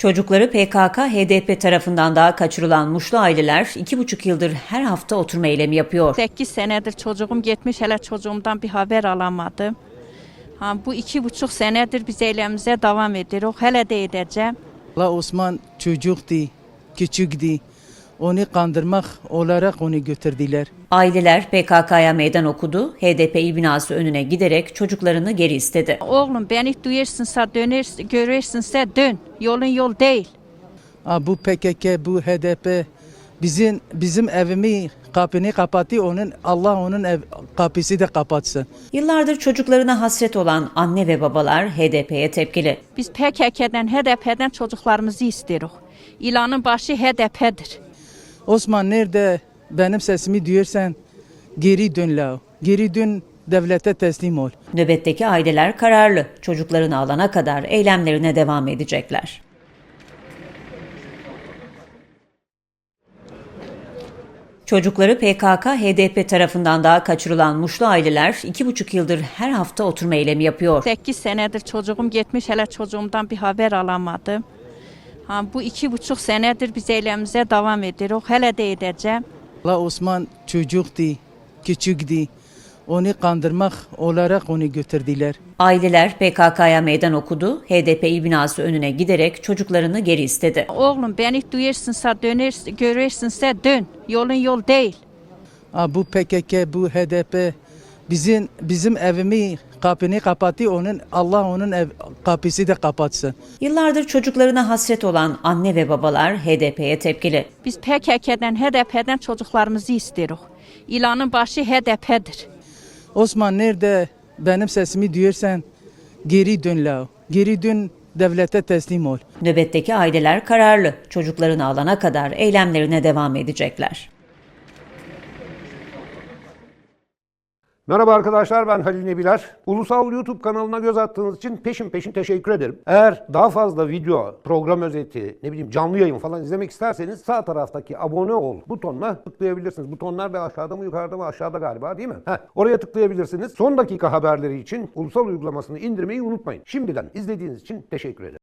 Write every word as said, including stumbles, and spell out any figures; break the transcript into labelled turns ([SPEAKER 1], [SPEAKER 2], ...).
[SPEAKER 1] Çocukları P K K H D P tarafından daha kaçırılan Muşlu aileler iki buçuk yıldır her hafta oturma eylemi yapıyor.
[SPEAKER 2] sekiz senedir çocuğum gitmiş, hele çocuğumdan bir haber alamadım. Ha, bu iki buçuk senedir biz eylemize devam ediyoruz. Hele de edeceğim.
[SPEAKER 3] La Osman çocuktu, küçüktü. Onu kandırmak olarak onu götürdüler.
[SPEAKER 1] Aileler P K K'ya meydan okudu, H D P il binası önüne giderek çocuklarını geri istedi.
[SPEAKER 2] Oğlum beni duyarsansa döner, görürsense dön. Yolun yol değil.
[SPEAKER 3] Ha, bu P K K, bu H D P bizim bizim evimi kapını kapattı. Onun Allah onun ev, kapısı da kapatsın.
[SPEAKER 1] Yıllardır çocuklarına hasret olan anne ve babalar H D P'ye tepkili.
[SPEAKER 2] Biz P K K'den, H D P'den çocuklarımızı istiyoruz. İlanın başı H D P'dir.
[SPEAKER 3] Osman nerede benim sesimi duyarsan geri dön la. Geri dön, devlete teslim ol.
[SPEAKER 1] Nöbetteki aileler kararlı. Çocuklarını alana kadar eylemlerine devam edecekler. Çocukları P K K H D P tarafından daha kaçırılan Muşlu aileler iki buçuk yıldır her hafta oturma eylemi yapıyor.
[SPEAKER 2] sekiz senedir çocuğum gitmiş, hele çocuğumdan bir haber alamadım. Ha, bu iki buçuk senedir biz eylemize devam ediyoruz. Hele de edeceğim.
[SPEAKER 3] La Osman çocuktu, küçüktü. Onu kandırmak olarak onu götürdüler.
[SPEAKER 1] Aileler P K K'ya meydan okudu, H D P il binası önüne giderek çocuklarını geri istedi.
[SPEAKER 2] Oğlum beni duyarsansa döner, görürsense dön. Yolun yol değil.
[SPEAKER 3] Ha, bu P K K, bu H D P bizim bizim evimi kapını kapattı. Onun Allah onun ev, kapısı da kapatsın.
[SPEAKER 1] Yıllardır çocuklarına hasret olan anne ve babalar H D P'ye tepkili.
[SPEAKER 2] Biz P K K'den, H D P'den çocuklarımızı istiyoruz. İlanın başı H D P'dir.
[SPEAKER 3] Osman nerede benim sesimi duyarsan geri dön la. Geri dön, devlete teslim ol.
[SPEAKER 1] Nöbetteki aileler kararlı. Çocuklarını alana kadar eylemlerine devam edecekler.
[SPEAKER 4] Merhaba arkadaşlar, ben Halil Nebiler. Ulusal YouTube kanalına göz attığınız için peşin peşin teşekkür ederim. Eğer daha fazla video, program özeti, ne bileyim canlı yayın falan izlemek isterseniz sağ taraftaki abone ol butonuna tıklayabilirsiniz. Butonlar da aşağıda mı yukarıda mı, aşağıda galiba, değil mi? Heh, oraya tıklayabilirsiniz. Son dakika haberleri için Ulusal uygulamasını indirmeyi unutmayın. Şimdiden izlediğiniz için teşekkür ederim.